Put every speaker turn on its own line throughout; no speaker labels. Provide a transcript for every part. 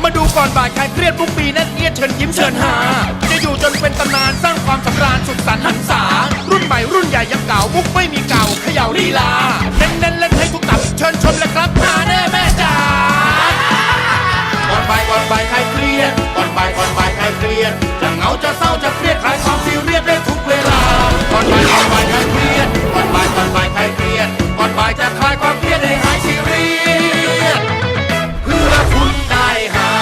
มาดูก่อนบ่ายใครเครียดทุกปีนั่นเอียดเชิญยิ้มเชิญหาจะอยู่จนเป็นตำนานสร้างความสำราญสุดสันต์หันษารุ่นใหม่รุ่นใหญ่ยังเก่ามุกไม่มีเก่าเขย่าลีลาเน้นเล่นให้ทุกตับเชิญชมเลยครับหาแน่แม่จ๋าก่อนบ่ายใครเครียดก่อนบ่ายใครเครียดจะเหงาจะเศร้าจะเครียดคลายความซีเรียสได้ทุกเวลาก่อนบ่ายใครเครียดก่อนบ่ายใครเครียดก่อนบ่ายจะคลายความเครียดให้หายซีเรียสเพื่อคุณได้หา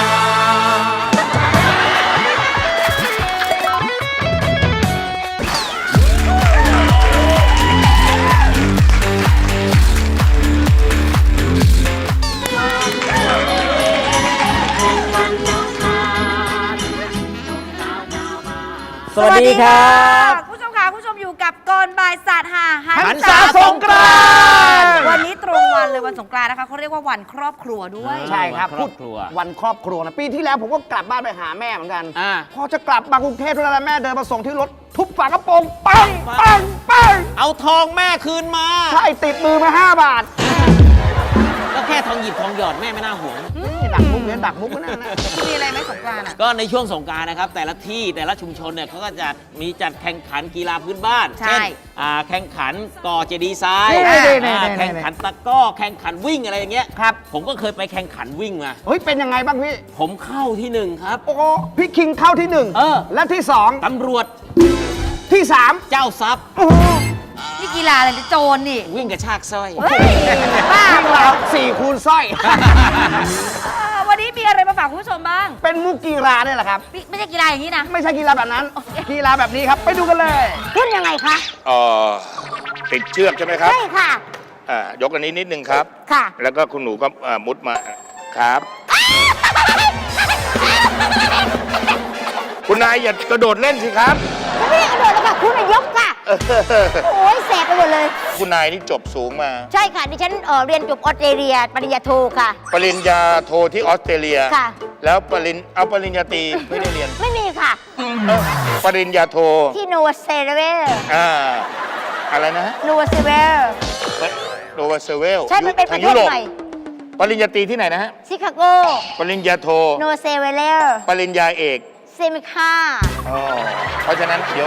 สวัสดีครับ
คุณผู้ชมค่ะคุณผู้ชมอยู่กับก่อนบ่ายศาสตร์หา
หันษาสงกรานต์
วันนี้ตรงวันเลยวันสงกรานต์นะคะเขาเรียกว่าวันครอบครัวด้วย
ใช่ครับ
ครอบครัว
วันครอบครัวนะปีที่แล้วผมก็กลับบ้านไปหาแม่เหมือนกันพอจะกลับมากรุงเทพเท่านั้นแม่เดินมาส่งที่รถทุบฝากระโปรงปัง
เอาทองแม่คืนมา
ใช่ติดมือมา5 บาท
ก็แค่ทองหยิบทองหยอดแม่ไม่น่าห่วง
ดักมุกเนี่ยดักมุกนั่นนะ
มีอะไรไหมสงกรานต์อ่ะ
ก็ในช่วงสงกรานต์นะครับแต่ละที่แต่ละชุมชนเนี่ยเขาก็จะมีจัดแข่งขันกีฬาพื้นบ้านเช่นแข่งขันก่อเจดีย์ทรายแข่งขันตะก้อแข่งขันวิ่งอะไรอย่างเงี้ย
ครับ
ผมก็เคยไปแข่งขันวิ่งมา
เฮ้ยเป็นยังไงบ้างพี่
ผมเข้าที่1ครับ
โอ้พี่คิงเข้าที่1และที่2
ตำรวจ
ที่3
เจ้าทรัพย์
นี่กีฬาอะไรจะโจรนี่
วิ่งกระชากสร้อย
บ้า
เรา4 คูณสร้อย
วันนี้มีอะไรมาฝากคุณผู้ชมบ้าง
เป็นมุกกีฬาเนี่ยแหละครับ
ไม่ใช่กีฬาอย่างนี้นะ
ไม่ใช่กีฬาแบบนั้นกีฬาแบบนี้ครับไปดูกันเลยขึ้นยังไงคะ
ติดเชือกใช่ไหมครับ
ใช่ค่ะ
ยกอันนี้นิดนึงครับ
ค่ะ
แล้วก็คุณหนูก็มุดมาครับคุณนายอย่ากระโดดเล่นสิครับ
ไม่ได้กระโดดแล้วค่ะคุณยกค่ะโอ้ยแสบไปหมดเลย
คุณนายนี่จบสูงมา
ใช่ค่ะดิฉันเรียนจบออสเตรเลียปริญญาโทค่ะ
ปริญญาโทที่ออสเตรเลีย
ค่ะ
แล้วปริญญาตรีไม่ได้เรียน
ไม่มีค่ะ
ปริญญาโท
ที่โนวาเซเวล
อะไรนะ
โนวาเซเวล
โนวาเซเวล
ใช่มันเป็นประเทศใหม่
ปริญญาตรีที่ไหนนะฮะ
ชิคาโก
ปริญญาโท
โนวาเซเวล
ปริญญาเอก
เซมิคา
เพราะฉะนั้นเดี๋ยว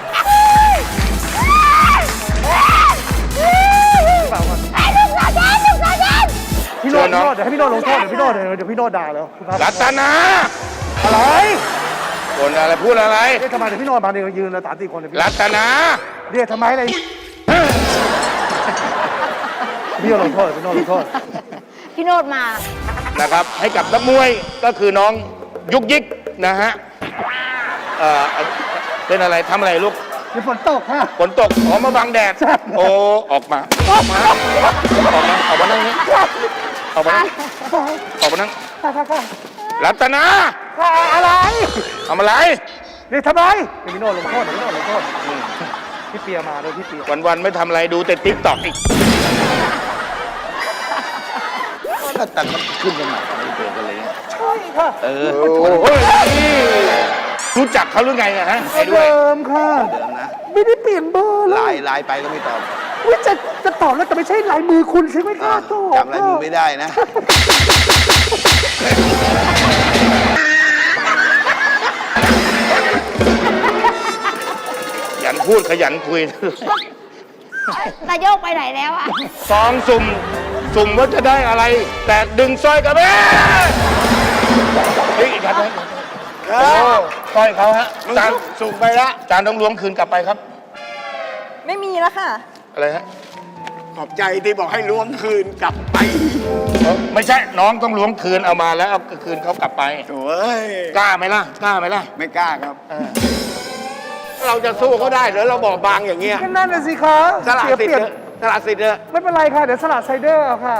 พี่โนดเดี๋ยวให้พี่โนดลงโทษเดี๋ยวพี่โนดด่าแล้ว
รัตนา
อะไร
คนอะไรพูดอะไร
ทำไมเดี๋ยวพี่โนดมาเดี๋ยวยืนเลย3-4 คน
รัตนา
เรียกทำไมอะไรพี่โนดลงโทษพี่โนดมา
นะครับให้กับนักมวยก็คือน้องยุกยิกนะฮะเป็นอะไรทำอะไรลูก
ฝนตกค่ะ
ฝนตกมาบังแดดโอ้ออกมานั่งนี่ออกมานั่งรัตนา
อะไร
ทำอะไร
นี่ทำไมพี่โนดลงโทษพี่เปียมาเลยพี่เปีย
วันไม่ทำอะไรดูแต่ติ๊กต็อกอีกก็ตัดขึ้นกันใหม่ไม่เปลี่ยนกันเลย
ใช่ค่ะ
รู้จักเขาหรือไงนะฮะ
เดิมค่ะ
นะ
ไม่ได้เปลี่ยนเบอร์เลย
ไลน์ไปก็ไม่ตอบ
จะตอบแล้วแต่ไม่ใช่ลายมือคุณใช่ไหมคะ
จำลายมือไม่ได้นะขยันพูดขยันคุย
นายโยกไปไหนแล้วอะ
ซองสุ่มว่าจะได้อะไรแต่ดึงสร้อยกับแม่อีกครับสร้อยเขาฮะจานสุ่มไปละจานต้องล้วงคืนกลับไปครับ
ไม่มีแล้วค่ะ
อะไรฮะ
ขอบใจที่บอกให้ล้วงคืนกลับไป
ไม่ใช่น้องต้องล้วงคืนเอามาแล้วเอาคืนเขากลับไป
โอ้ย
กล้าไหมล่ะ
ไม่กล้าครับเราจะสู้เขาได้หรือเราบอกบางอย่างเงี้ยนั่นน่ะสิคะสละสิทธิ์ไม่เป็นไรค่ะเดี๋ยวสละไซเดอร์ค่ะ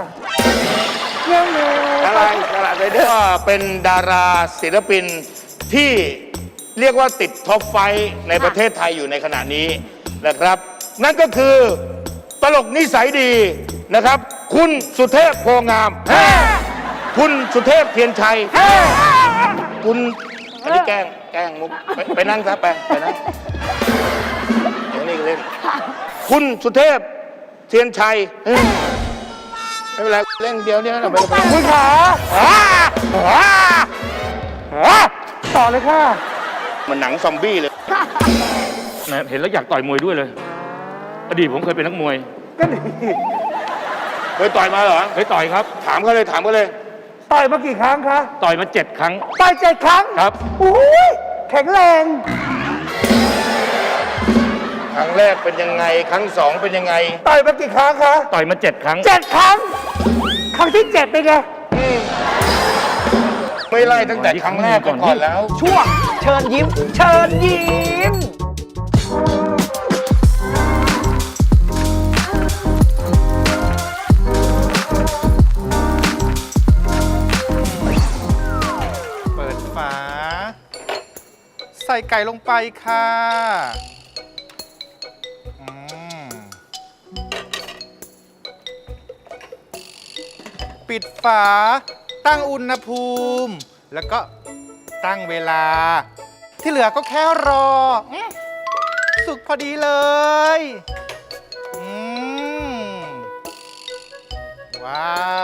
อะไรสละไซเดอร์เป็นดาราศิลปินที่เรียกว่าติดท็อปไฟในประเทศไทยอยู่ในขณะนี้นะครับนั่นก็คือตลกนิสัยดีนะครับคุณสุเทพโพงามคุณสุเทพเทียนชัยคุณอันนี้แกล้งมุกไปนั่งซะไปนั่งเดี๋ยวนี่เล่นคุณสุเทพเทียนชัยไม่เป็นไรเล่นเดียวเนี่ยเราไป
คุณขาต่อเลยค่ะ
มันหนังซอมบี้เลยแหมเห็นแล้วอยากต่อยมวยด้วยเลย อดีตผมเคยเป็นนักมวย
ก็ดี
เคยต่อยมาเหรอเคยต่อยครับ ถามเขาเลย
ต่อยมากี่ครั้งคะ
ต่อยมา7 ครั้ง
ต่อย7 ครั้ง
ครับ
อุ้ยแข็งแรง
ครั้งแรกเป็นยังไง ครั้ง2เป็นยังไง
ต่อยมากี่ครั้งคะ
ต่อยมา7 ครั้ง
7 ครั้ง ครั้งที่ 7 เป็นไง
ไม่ไล่ตั้งแต่ครั้งแรกก่อนแล้ว
ช่วงเชิญยิ้ม เชิญยิ้ม
เปิดฝา ใส่ไก่ลงไปค่ะอืมปิดฝา ตั้งอุณหภูมิ แล้วก็ตั้งเวลา ที่เหลือก็แค่รอ สุกพอดีเลยอืมว้าว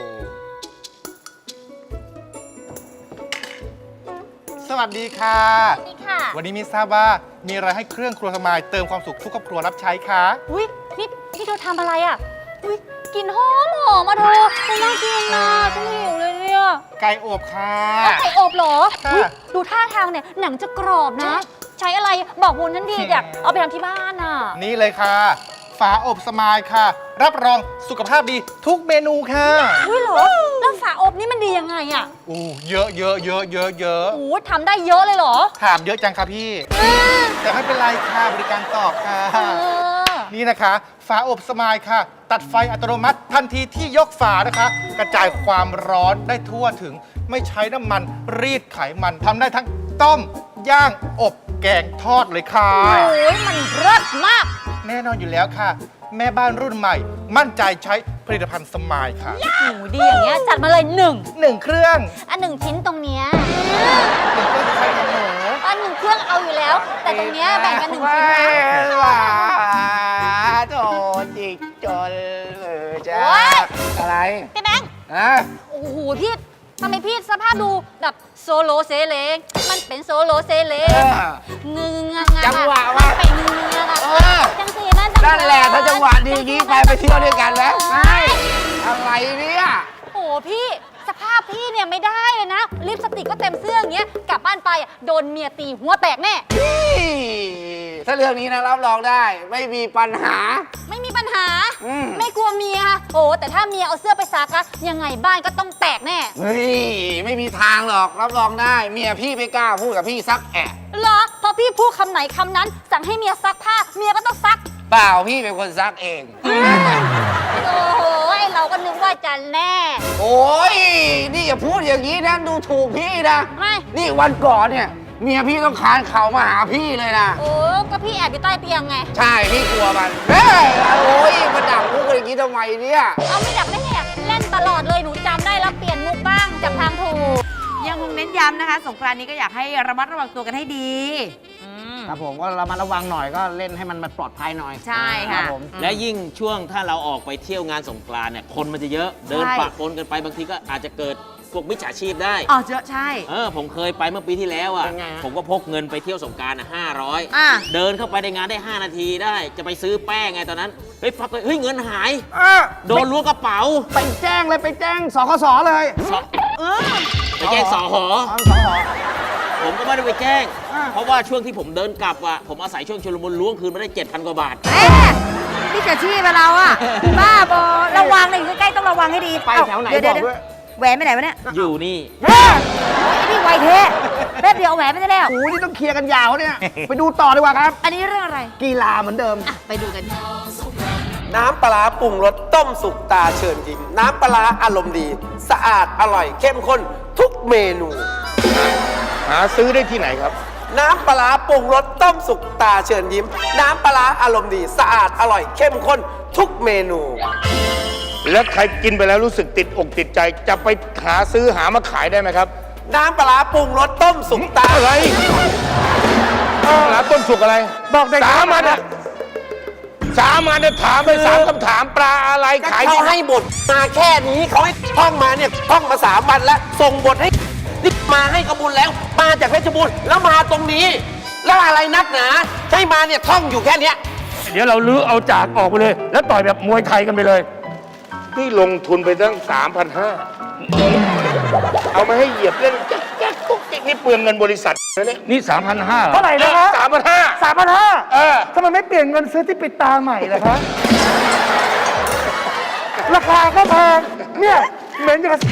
สวัสดีค่ะ
สวัสดีค่ะ
วันนี้ไม่ทราบว่ามีอะไรให้เครื่องครัวสมายเติมความสุขทุกครอบครัวรับใช้คะ
อุ้ยนี่เธอทำอะไรอ่ะ อุ้ยกลินหอมมาเธอฉันน่ากินนะฉันหิวเลยเนี่ย
ไก่อบค่ะ
ไก่อบเหรอ
ค่ะ
อุ๊ยดูท่าทางเนี่ยหนังจะกรอบนะ ใช้อะไรบอกบุญฉันดีอยากเอาไปทำที่บ้านอ่ะ
นี่เลยค่ะ ฝาอบสมายค่ะ รับรองสุขภาพดีทุกเมนูค่ะ
อุ้ยเหรอ แล้วฝาอบนี่มันดียังไงอ่ะ
อู้เยอะ
โอ้ทำได้เยอะเลยเหรอ
ถามเยอะจังค่ะพี่ แต่ไม่เป็นไรค่ะบริการตอบค่ะ
เออ
นี่นะคะ ฝาอบสมายค่ะ ตัดไฟอัตโนมัติทันทีที่ยกฝานะคะ กระจายความร้อนได้ทั่วถึง ไม่ใช้น้ำมันรีดไขมันทำได้ทั้งต้ม ย่าง อบ แกงทอดเลยค่ะ
โอ้ยมันเลิศมาก
แน่นอนอยู่แล้วค่ะ แม่บ้านรุ่นใหม่ มั่นใจใช้ผลิตภัณฑ์สมายค่ะ
หมูดีอย่างเงี้ยจัดมาเลยหนึ่ง
1 เครื่อง
อันหนึ่งชิ้นตรงเนี้ย
1 เครื่องใช้กับหนู
อันหนึ่งเครื่องเอาอยู่แล้ว แต่ตรงเนี้ยแบ่งกันหนึ่งชิ้นนะ
ว่าโถจิกจนจ้า
โอ๊ย
อะไร
พี่แบงค์
ฮะ
โอ้โหพี่ทำไมพี่สภาพดูแบบโซโลเซเลงมันเป็นโซโลเซเลงงึงงะ
จังหวะวะ
ไปงึงงะ
เออ
จังสีนั่นจัง
นั่นแหละถ้าจังหวะดีงี้ไปเที่ยวด้วยกันแล้วอะไรเนี่ย
โอ้โหพี่สภาพพี่เนี่ยไม่ได้เลยนะลิปสติกก็เต็มเสื้ออย่างเงี้ยกลับบ้านไปอ่ะโดนเมียตีหัวแตกแน่
ถ้าเรื่องนี้นะรับรองได้ ไม่มีปัญหา
ไม่มีปัญหา
อืม
ไม่กลัวเมียโอ้แต่ถ้าเมียเอาเสื้อไปซักอะยังไงบ้านก็ต้องแตกแน่
เฮ้ยไม่มีทางหรอกรับรองได้ เมียพี่ไม่กล้าพูดกับพี่ซักแอะ
เหรอพอพี่พูดคำไหนคำนั้น สั่งให้เมียซักผ้าเมียก็ต้องซัก
เปล่าพี่เป็นคนซักเอง
โอ้โหเราก็นึกว่าจะแน่
โอ้ยนี่อย่าพูดอย่างนี้นะดูถูกพี่นะ
ไม่
นี่วันก่อนเนี่ยเมียพี่ต้องคานเข่ามาหาพี่เลยนะ
โอ้ก็พี่แอบอยู่ใต้เตียงไง
ใช่พี่กลัวมันเฮ้ยโอ้ยมาดักมุกอย่างนี้ทำไมเนี่ย
เอาไม่ดับได้ไงเล่นตลอดเลยหนูจำได้แล้วเปลี่ยนมุกบ้างจากทางถูก
ยังคงเน้นย้ำนะคะ สงกรานต์นี้ก็อยากให้ระมัดระวังตัวกันให้ดีอืม
ครับผมก็ระมัดระวังหน่อยก็เล่นให้มันปลอดภัยหน่อย
ใช่
ครั
ค่ะ
บผม
และยิ่งช่วงถ้าเราออกไปเที่ยวงานสงกรานต์เนี่ยคนมันจะเยอะเดิน
ใช่
ปะปนกันไปบางทีก็อาจจะเกิดพวกมิจฉาชีพได้
อ๋อเจอใช่
ผมเคยไปเมื่อปีที่แล้วอ่ะ
เป็นไงฮะ
ผมก็พกเงินไปเที่ยวสงกรานต์500
อ่ะ
เดินเข้าไปในงานได้ 5 นาทีได้ จะไปซื้อแป้งไงตอนนั้น เฮ้ยพักเลยเฮ้ยเงินหาย โดนล้วงกระเป๋า
ไปแจ้งเลยไปแจ้งสคสเลย
ไปแจ้งสอหอ
สคส
ผมก็ไม่ได้ไปแจ้ง
อ่า
เพราะว่าช่วงที่ผมเดินกลับอ่ะผมอาศัยช่วงชุลมุนล้วงคืนมาได้ 7,000 กว่าบาท
เอ๊ะนี่จะชี้ไปเราอะบ้าบอระวังเลยอยู่ใกล้ๆต้องระวังให้ดี
ไปแถวไหน
เดี๋
บอกด้วย
แหวนไปไหนวะเนี่ย
อยู่นี่
เฮ้ยไอ้นี่ไวเทะแป๊บเดียวเอาแหวนไปได้แล้ว
โอ้ยนี่ต้องเคลียร์กันยาวเนี่ย ไปดูต่อดีกว่าครับ
อันนี้เรื่องอะไร
กีฬาเหมือนเดิม
อ่ะไปดูกัน
น้ำปลาร้าปรุงรสต้มสุกตาเชิญยิ้มน้ำปลาร้าอารมณ์ดี สะอาดอร่อยเข้มข้นทุกเมนู
หาซื้อได้ที่ไหนครับ
น้ำปลาร้าปรุงรสต้มสุกตาเชิญยิ้ม น้ำปลาร้าอารมณ์ดี สะอาดอร่อยเข้มข้นทุกเมนู
แล้วใครกินไปแล้วรู้สึกติดอกติดใจ จะไปหาซื้อหามาขายได้ไหมครับ
น้ำปลาร้าปรุงรสต้มสุกตา
อะไรร้านต้นสุกอะไร
บอกเด็ก
สามันอะ 3 อันเนี่ยถามไป3 คำถามปลาอะไรขาย
เขาให้บทมาแค่นี้เขาให้ท่องมาเนี่ยท่องมา3 วันแล้ว ส่งบทให้นี่มาให้ขบุญแล้ว มาจากเพชรบูรณ์แล้วมาตรงนี้ แล้วอะไรนักหนาให้มาเนี่ยท่องอยู่แค่เนี้ย
เดี๋ยวเราลื้อเอาจากออกไปเลย แล้วต่อยแบบมวยไทยกันไปเลย นี่ลงทุนไปตั้ง 3,500 เอามาให้เหยียบเล่นแจ๊กกุ๊กกิ๊กนี่เปลืองเงินบริษัทนะเนี่ยนี่ 3,500
เท่าไหร่นะฮะ
3,500
3,500ทำไมไม่เปลี่ยนเงินซื้อที่ปิดตาใหม่ล่ะคะ ราคาก็แพงเนี่ยเหม็นอย่างกับ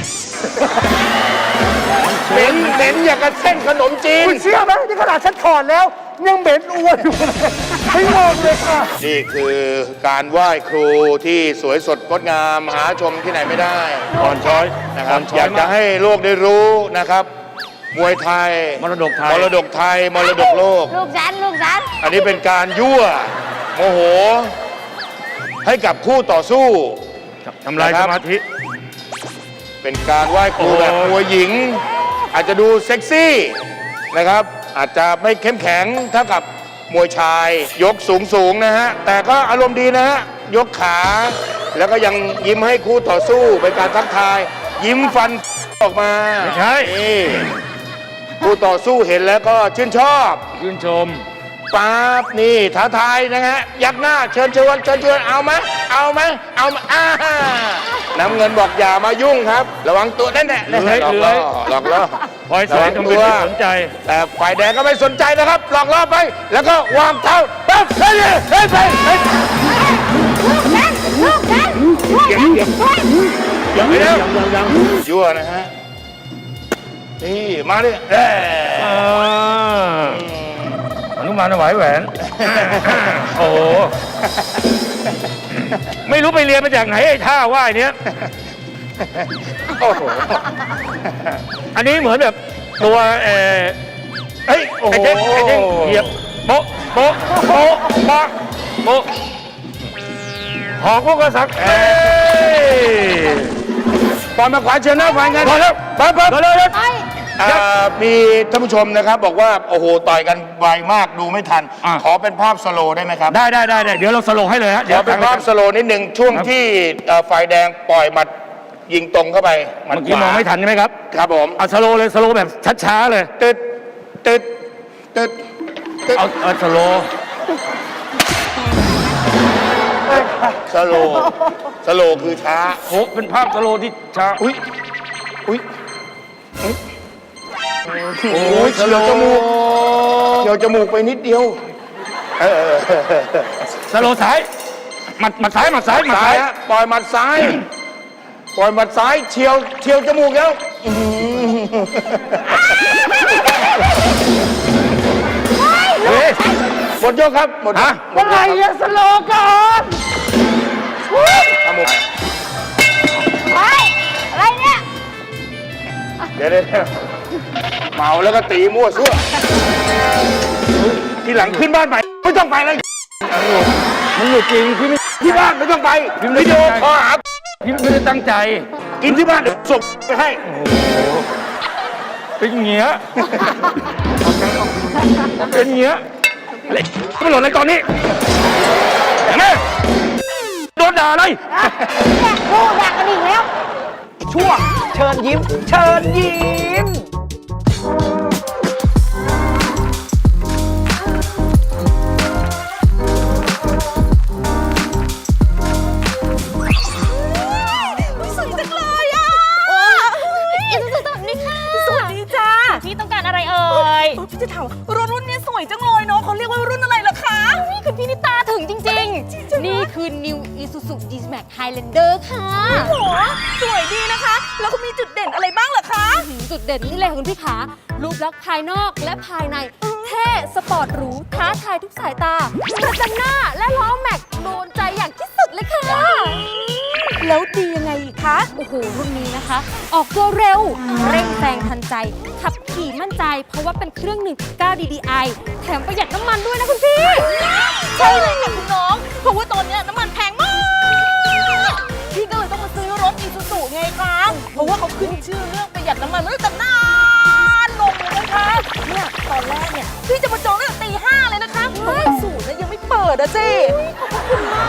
เหม็นอย่างกับเส้นขนมจีน
คุณเชื่อไหมที่ขนาดฉันถอดแล้ว ยังเหม็นอ้วนอยู่เลยไม่งงเลยค่ะ
นี่คือการไหว้ครูที่สวยสดงดงามหาชมที่ไหนไม่ได้อ่อนช้อยนะครับอยากจะให้โลกได้รู้นะครับ มวยไทย มรดกไทย มรดกไทย มรดกโลก
ลูกฉัน
อันนี้เป็นการยั่วโมโห ให้กับคู่ต่อสู้ทำลายสมาธิ เป็นการไหว้ครูแบบมวยหญิง อาจจะดูเซ็กซี่นะครับ อาจจะไม่เข้มแข็งเท่ากับมวยชาย ยกสูงนะฮะ แต่ก็อารมณ์ดีนะฮะ ยกขา แล้วก็ยังยิ้มให้คู่ต่อสู้เป็นการทักทาย ยิ้มฟันออกมาไม่ใช่คู่ต่อสู้เห็นแล้วก็ชื่นชอบชื่นชมปั๊บนี่ท้าทายนะฮะยักหน้าเชิญเอาไหมน้ำเงินบอกอย่ามายุ่งครับ ระวังตัวแน่ๆหลอกล่อคอยสอนทำเป็นไม่สนใจ แต่ฝ่ายแดงก็ไม่สนใจนะครับหลอกล่อไป แล้วก็วางเท้าปั๊บเฮ้ยยังยั่วนะฮะนี่มาดิอนุมานถวายแหวน โอ้ไม่รู้ไปเรียนมาจากไหนไอ้ท่าว่ายเนี้ยโอ้โหอันนี้เหมือนแบบตัวเฮ้ยไอ้เจ๊งเหยียบโป๊ะหอกพวกกระสักปอนมาขวาเชิญหน้าฝ่ายงานพอแล้วปั๊บเลยมีท่านผู้ชมนะครับบอกว่าโอ้โหต่อยกันไวมากดูไม่ทัน ขอเป็นภาพสโลว์ได้ไหมครับได้เดี๋ยวเราสโลว์ให้เลยฮะเดี๋ยวเป็นภาพสโลว์นิดหนึ่งช่วงที่ฝ่ายแดงปล่อยหมัดยิงตรงเข้าไปเมื่อกี้มองไม่ทันใช่ไหมครับครับผมเอาสโลว์เลยสโลว์แบบช้าๆเลยตึ๊ดเอาสโลว์สโลว์คือช้าโอ้เป็นภาพสโลว์ที่ช้าอุ้ยโอ้ยเฉียวจมูกไปนิดเดียวสโลว์ซ้ายหมัดซ้ายปล่อยหมัดซ้ายเฉียวจมูกแล้วหมดยกครับหมดอะไรอะสโลว์ก่อน
อะไรเนี่ย
เดี๋ยวเมาแล้วก็ตีมั่วซั่วทีหลังขึ้นบ้านใหม่ไม่ต้องไปเลยมันหลุดจริงพี่ที่บ้านไม่ต้องไปวิดีโอคอลหาพี่ไม่ได้ตั้งใจกินที่บ้านเดี๋ยวส่งไปให้เป็นเงี้ยไม่หล่นเลยตอนนี้เห็นไหมโดนด่าเลย
พูดด่ากันอีกแล้ว
ช่วงเชิญยิ้ม
สวยจังเลยอ่ะสวัสดีค่ะ สวัสดีจ้าพี่ต้องการอะไรเอ่ยพี่จะถามรุ่นนี้สวยจังเลยเนาะเขาเรียกว่ารุ่นอะไรล่ะคะนี่คือพี่นิตาถึงจริงๆนี่คือ New Isuzu D-Max Highlander ค่ะโหสวยดีนะคะ แล้วก็มีจุดเด่นอะไรบ้างเหรอคะจุดเด่นนี่เลยคุณพี่ขารูปลักษณ์ภายนอกและภายในเท่สปอร์ตหรูท้าทายทุกสายตาประจันหน้าและล้อแม็กโดนใจอย่างที่สุดเลยค่ะแล้วดียังไงอีกคะโอ้โหรุ่นนี้นะคะ ออกตัวเร็วเร่งแซงทันใจขับขี่มั่นใจเพราะว่าเป็นเครื่อง 1.9 DDI แถมประหยัดน้ำมันด้วยนะคุณพี่ใช่เลยค่ะคุณน้องเพราะว่าตอนนี้น้ำมันแพงมากพี่ก็เลยต้องมาซื้อรถอีซูซูไงคะเพราะว่าเขาขึ้นชื่อเรื่องประหยัดน้ำมันไม่แต่นานลงเลยนะคะเนี่ยตอนแรกเนี่ยพี่จะมาจองตั้งแต่ตี 5เลยนะคะเพราะว่าศูนย์ยังไม่เปิดอะเจ๊ขอบคุณม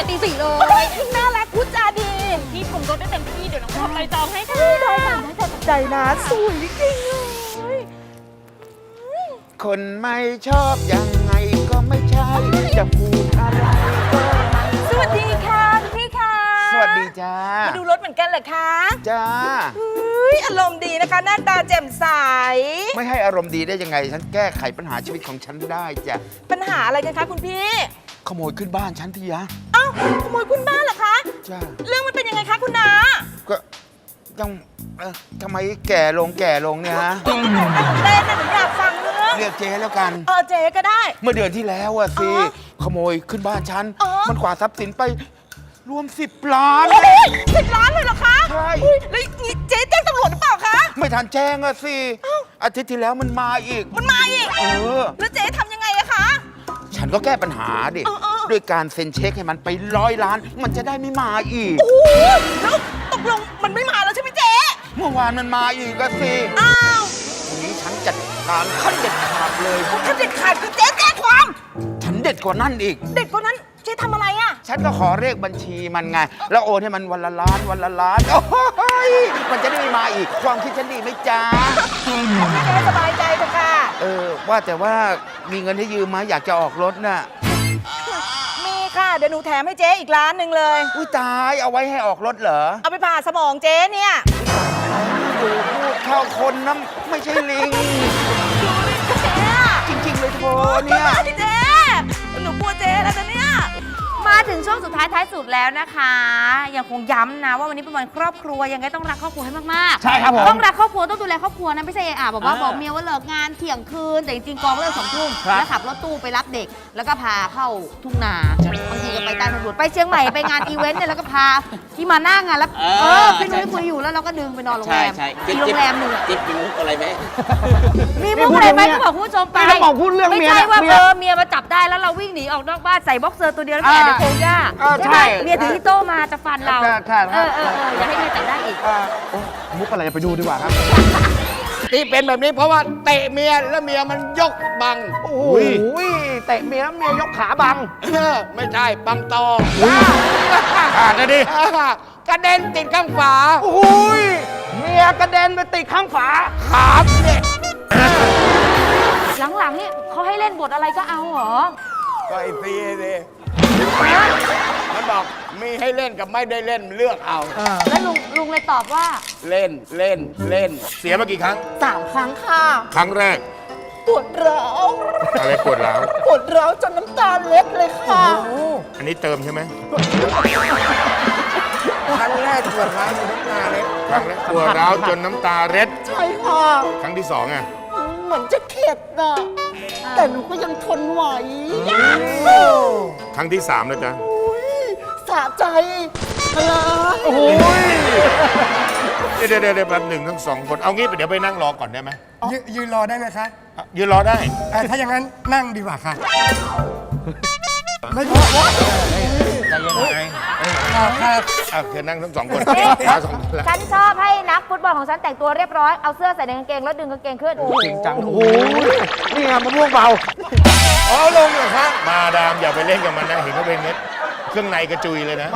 ตีสี่เลย
น่ารักพูดจาดี พี่ชมรถได้เต็มที่ เดี๋ยวน้องทำไปจองให้ค่ะ
ได้ค่ะได้ค่ะใจนะสวยจริงเลย
คนไม่ชอบยังไงก็ไม่ใช่ จะพูดอะไรก็ไม่
สวัสดีค่ะคุณพี่ค่ะ
สวัสดีจ้า
มาดูรถเหมือนกันเหรอคะ
จ้า
เฮ้ยอารมณ์ดีนะคะ หน้าตาแจ่มใส
ไม่ให้อารมณ์ดีได้ยังไง ฉันแก้ไขปัญหาชีวิตของฉันได้จ้ะ
ปัญหาอะไรกันคะคุณพี่
ขโมยขึ้นบ้านฉันทียะ
เอ้าขโมยคุณบ้านเหรอคะ
จ้า
เรื่องมันเป็นยังไงคะคุณน้า
ก็ยังทำไมแก่ลงเนี่ยฮะ
เต้นนะหนูอยากฟังเรื่อง
เรียกเจ๊แล้วกัน
เจ๊ก็ได้
เมื่อเดือนที่แล้วอะสิ
อ๋อ
ขโมยขึ้นบ้านฉัน
อ๋อ
มันกวาดทรัพย์สินไปรวม 10 ล้าน
โอ้ย10 ล้านเลยเหรอคะ
ใช่
อุ๊ยแล้วนี่เจ๊แจ้งตำรวจหรือเปล่าคะ
ไม่ทันแจ้งอะสิ อาทิตย์ที่แล้วมันมาอีก
มันมาอีก แล้วเจ๊ทำยังไงอะคะ
ฉันก็แก้ปัญหาดิ ด้วยการเซ็นเช็คให้มันไป100 ล้าน มันจะได้ไม่มาอีก
โอ้ยแล้วตกลงมันไม่มาแล้วใช่ไหมเจ๊
เมื่อวานมันมาอีกก็สิ
อ้าว
วันนี้ฉันจัดการขั้นเด็ดขาดเลย
ถ้าเด็ดขาดคือเจ๊แจ้งความ
ฉันเด็ดกว่านั่นอีก
เด็ดกว่านั้นเจ๊ทำอะไรอะ
ฉันก็ขอเลขบัญชีมันไง แล้วโอนให้มันวันละล้านวันละล้าน โอ้ยมันจะได้ไม่มาอีก ความคิดฉันดีไหมจ๊ะ
เจ๊สบายใจเถอะค่ะ
ว่าแต่ว่ามีเงินให้ยืมไหมอยากจะออกรถน่ะ
มีค่ะ เดี๋ยวหนูแถมให้เจ๊อีกล้านหนึ่งเลย
อุ้ยตายเอาไว้ให้ออกรถเหรอ
เอาไปผ่าสมองเจ๊เนี่ย
ดูพูดเข้าคนนะไม่ใช่ลิง
เจ๊อะ
จริง ๆ เลยโทเนี่ย
เจ๊หนูกลัวเจ๊แล้วนะเนี่ย
มาถึงช่วงสุดท้ายท้ายสุดแล้วนะคะ ยังคงย้ำนะว่าวันนี้เป็นวันครอบครัวยังไงต้องรักครอบครัวให้มากๆ
ใช่ครับผม
ต้องรักครอบครัวต้องดูแลครอบครัวนะไม่ใช่บอกเมียว่าเลิกงานเที่ยงคืนแต่จริงๆกองเลิก2 ทุ่มแล้วขับรถตู้ไปรับเด็ก แล้วก็พาเข้าทุ่งนาบางทีก็ไปใต้ทางด่วนไปเชียงใหม่ไปงานอีเวนต์เนี่ยแล้วก็พาที่มาหน้างานแล้วพี่นุ้ยคุยอยู่แล้วเราก็ดึงไปนอนโรงแรม
ใช่
ที่โรงแรมหนึ่งอะ
จิ๊บมีมุกอะไรไหม
มีมุกอะไรไหมก็บอกคุณผู้ชมไป
นี่ต้องบอกพูดเรื่อง
ไม่
เมีย
ใช่
นะ
ว่า
เมีย
เมียมาจับได้แล้วเราวิ่งหนีออกนอกบ้านใส่บ็อกเซอร์ตัวเดียวแล้วแอบในโพงหญ้า
ใช่
เมียถือที่โต้มาจะฟันเรา
ใช่
อย่าให้เมียจับได้อีก
มุกอะไรไปดูดีกว่าครับ
ที่เป็นแบบนี้เพราะว่าเตะเมียแล้วเมียมันยกบัง
โอ้ยเตะเมียแล้วเมียยกขาบัง
ไม่ใช่บังตอ
ขาดนะดิ
กระเด็นติดข้างฝา
โอ้ยเมียกระเด็นไปติดข้างฝา
ครับเนี่ย
หลังๆนี่เขาให้เล่นบทอะไรก็เอาเหรอ
ก็ไอ้ซีสิมันบอกมีให้เล่นกับไม่ได้เล่นเลือกเอา
แล้วลุงเลยตอบว่า
เล่น
เสียมากี่ครั้ง
3 ครั้งค่ะ
ครั้งแรก
ปวดร้าว
อะไรปวดร้าว
ปวดร้าวจนน้ำตาเล็ดเลยค่ะ
อันนี้เติมใช่ไหม
ครั้งแรกปวดร้าวในน้ำตาเล็ด
ครั้งแรกปวดร้าวจนน้ำตาเร็ด
ใช่ค่ะ
ครั้งที่สองอ่ะ
เหมือนจะเข็ดน่ะแต่หนูก็ยังทนไหว
ครั้งที่สามแล้วจ๊ะ
สะใจอะไร
โอ้ย
เดี๋ยวแป๊บหนึ่งทั้งสองคน เอางี้เดี๋ยวไปนั่งรอก่อนได้ไหม
ยืนรอได้ไหมคะ
ยืนรอได้
ถ้าอย่างนั้นนั่งดีกว่าค่ะ
เธอนั่งทั้งสองคน
เอ๊ะ
มาสองคนละ
ฉันชอบให้นักฟุตบอลของฉันแต่งตัวเรียบร้อย เอาเสื้อใส่ในกางเกงแล้วดึงกางเกงขึ้น
จริงจัง โอ้โห นี่ไงมะม่วงเบา
อ๋อลงเหรอคะมาดามอย่าไปเล่นกับมันนะ เห็นเขาเป็นเม็ด เครื่องในกระจุยเลยนะ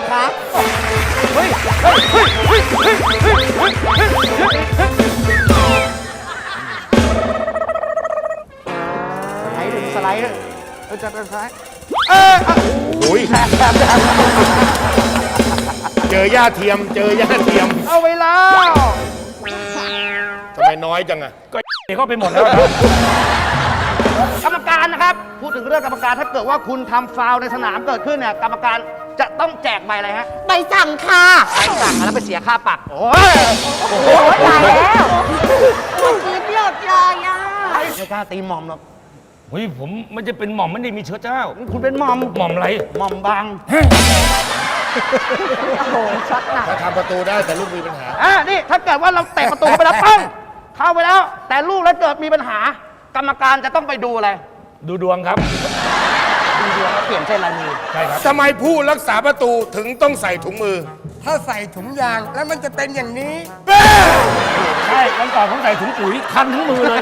สไลด์จะเป็นสไลด์
โอ้ยเจอย่าเทียม
เอาเวลา
ทำไมน้อยจังอะ
ก็เข้าไปหมดแล้วกรรมการนะครับ พูดถึงเรื่องกรรมการถ้าเกิดว่าคุณทำฟาวล์ในสนามเกิดขึ้นเนี่ยกรรมการจะต้องแจกใบอะไรฮะ
ใบสั่งค่ะ
ใบสั่งแล้วไปเสียค่าปรับโอ้ย
โอ้ยตายแล้ว
กินหลดเลยอ่ะ
ไม่กล้าตีหม่อมหรอก
เฮ้ยผมไม่จะเป็นหม่อมไม่ได้มีเชื้อเจ้า
คุณเป็นหม่อม
หม่อมอะไร
หม่อมบาง
โอ้โหช็อตหนัก
ถ้าทำประตูได้แต่ลูกมีปัญหา
นี่ถ้าเกิดว่าเราเตะประตูเข้าไปแล้วปั้งเข้าไปแล้ว แต่ลูกแล้วเกิดมีปัญหา กรรมการจะต้องไปดูอะไร
ดูดวงครับ
ดูดวงแล้วเปลี่ยนเส้นลายมือ
ใช่ครับ
ทำไมผู้รักษาประตูถึงต้องใส่ถุงมือ
ถ้าใส่ถุงยางแล้วมันจะเป็นอย่างนี้
ใช่วันก่อนผมใส่ถุงปุ๋ยคันทั้งมือเลย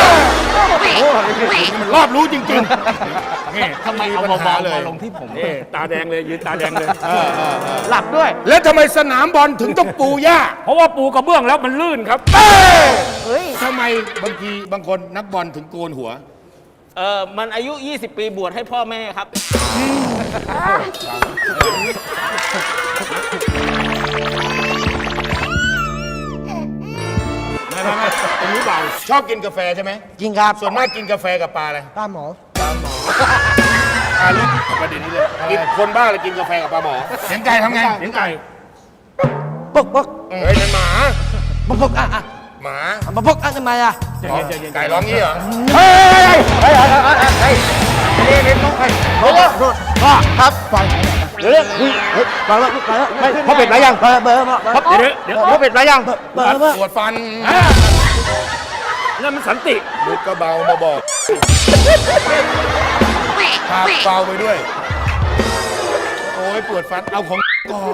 มันรอบรู้จริง
นี่
ทำไมเอา
ปัญ
เบา
หาเลย
ๆมาลงที่ผม
นี่ตาแดงเลยยืนตาแดงเลย
หลับด้วย
ๆ แล้วทำไมสนามบอลถึงต้องปูหญ้า
เพราะว่าปูกระเบื้องแล้วมันลื่นครับ
ทำไมบางคนนักบอลถึงโกนหัว
มันอายุ 20 ปีบวชให้พ่อแม่ครับ
ไม่ตรงนี้เบาชอบกินกาแฟใช่ไหม
จริงครับ
ส่วนมากกินกาแฟกับปลาอะไร
ป้าหมอ
เรื่องประเด็นนี้เลยกินคนบ้าเลยกินกาแฟกับปลาหมอเสียงไก่ทำไง
เสียงไก่
ปึ๊กปึ๊ก
เฮ้ยนั่นหมา
ปึ๊กปึ๊กอ่ะ
หมา
มาปึ๊กอ่ะทำไมอ่ะ
ไก่ร้องงี้เหรอ
เฮ้ยนี่ต้องไปครับไปเดี๋ยวไปแล้วพ่อเป็ดมายังเบอร์
เดี๋ยว
พ่อเป็ดมายังเบอร์
ปวดฟัน
นั่นมันสันติ
ลูกก็เบามาบอกพาเบาไปด้วย โอ้ยปวดฟันเอาของก่อน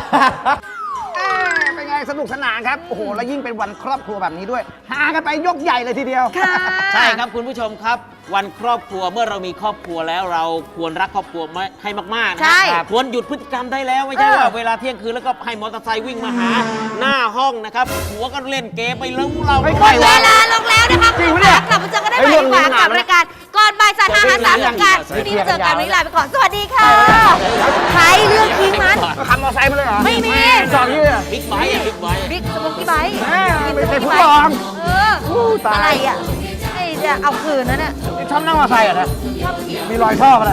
เป็นไงสนุกสนานครับ โอ้โห แล้วยิ่งเป็นวันครอบครัวแบบนี้ด้วย หากันไปยกใหญ่เลยทีเดียว
ใช่ครับคุณผู้ชมครับ วันครอบครัวเมื่อเรามีครอบครัวแล้วเราควรรักครอบครัวให้มากๆนะ
ใช่
ครับควรหยุดพฤติกรรมได้แล้วไม่ใช่ว่าเวลาเที่ยงคืนแล้วก็ให้มอเตอร์ไซค์วิ่งมาหาหน้าห้องนะครับหัวก็เล่นเกมไปแล้วเรา
ไม่
ห
ค่
ม
อย
ดเวลาลงแล้วนะคะคุณผู้ชมกลับมาเจอกันได้ใหม่ดีกว่ากับรายการก่อนบ่าย3 5 3รายการวันนี้เจอกันวันนี้ลาไปก่อนสวัสดีค่ะใครเรื่องทิ้งมัน
ขับมอเตอร์ไซค์มาเลยเหรอ
ไม่มี
จอดที่
บิ๊กไบค์บิ๊กไบค์
บิ๊กสมุกกี้ไบค์
ไม่ใช่ผู้กอง
อะไรอ่ะไอ้จะเอาคืนนั่นน่ะ
ชอบนั่งมอเตอร์ไซค์เหรอนะมีรอยท่อกันนะ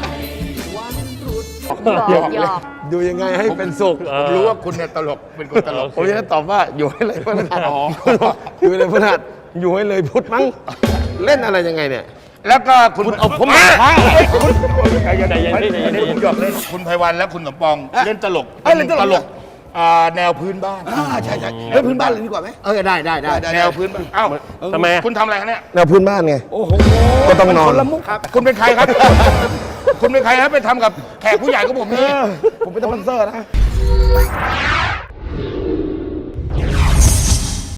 หยอกหยอก
ดูยังไงให้เป็นสุข
ผมรู้ว่าคุณเนี่ยตลกเป็นคนตลก
ผมจะตอบว่าอยู่ให้เลยพฤหัสอยู่ให้เลยพฤหัสอยู่ให้เลยพุธมั้ง เล่นอะไรยังไงเนี่ย
แล้วก็คุณ
เอาผม
มา
มา
ใจเย็นๆผมหยอกเล่นคุณไพวันและคุณสมปองเล่นตลก
เล่นตลก
แนวพื้นบ้าน
ใช่เล่นพื้นบ้านเลยดีกว่าไหมได้
แนวพื้นบ้านเอ้า
ทำไม
คุณทำอะไรคะเนี่ย
แนวพื้นบ้านไงก็ต้องนอน
ครับคุณเป็นใครครับ คุณเป็นใครครับไปทำกับแขกผู้ใหญ่ของผมนี่
ผมเป็นสปอนเซอร์นะ